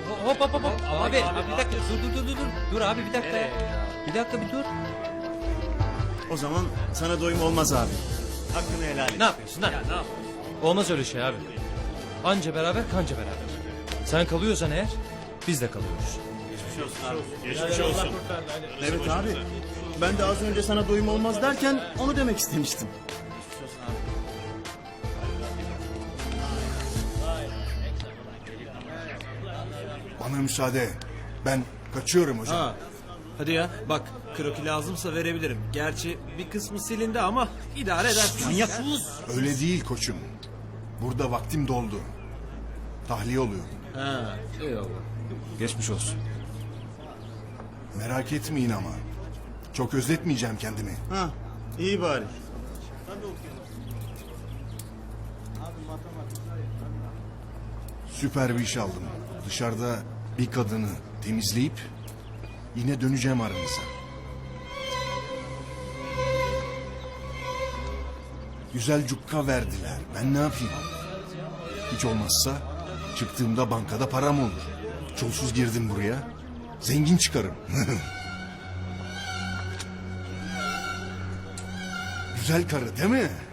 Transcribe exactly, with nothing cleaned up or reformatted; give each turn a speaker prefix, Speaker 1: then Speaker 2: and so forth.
Speaker 1: Hop hop hop hop. Abi, abi bir dakika dur dur dur dur. Dur abi bir dakika ya. Bir dakika bir dur.
Speaker 2: O zaman sana doyum olmaz abi. Hakkını helal et.
Speaker 1: Ne yapıyorsun lan? Olmaz öyle şey abi. Anca beraber kanca beraber. Sen kalıyorsan eğer biz de kalıyoruz.
Speaker 3: Geçmiş olsun.
Speaker 2: Evet abi. Ben de az önce sana doyum olmaz derken onu demek istemiştim.
Speaker 4: Bana müsaade. Ben kaçıyorum hocam.
Speaker 5: Ha. Hadi ya bak kroki lazımsa verebilirim. Gerçi bir kısmı silindi ama idare edersin.
Speaker 2: Manyak.
Speaker 4: Öyle değil koçum. Burada vaktim doldu. Tahliye oluyor.
Speaker 5: Ha, eyvallah.
Speaker 1: Geçmiş olsun.
Speaker 4: Merak etmeyin ama. Çok özletmeyeceğim kendimi.
Speaker 2: Ha, iyi bari.
Speaker 4: Süper bir iş aldım. Dışarıda bir kadını temizleyip yine döneceğim aranıza. Güzel cukka verdiler. Ben ne yapayım? Hiç olmazsa çıktığımda bankada param olur. Çolsuz girdim buraya. Zengin çıkarım. Güzel karı değil mi?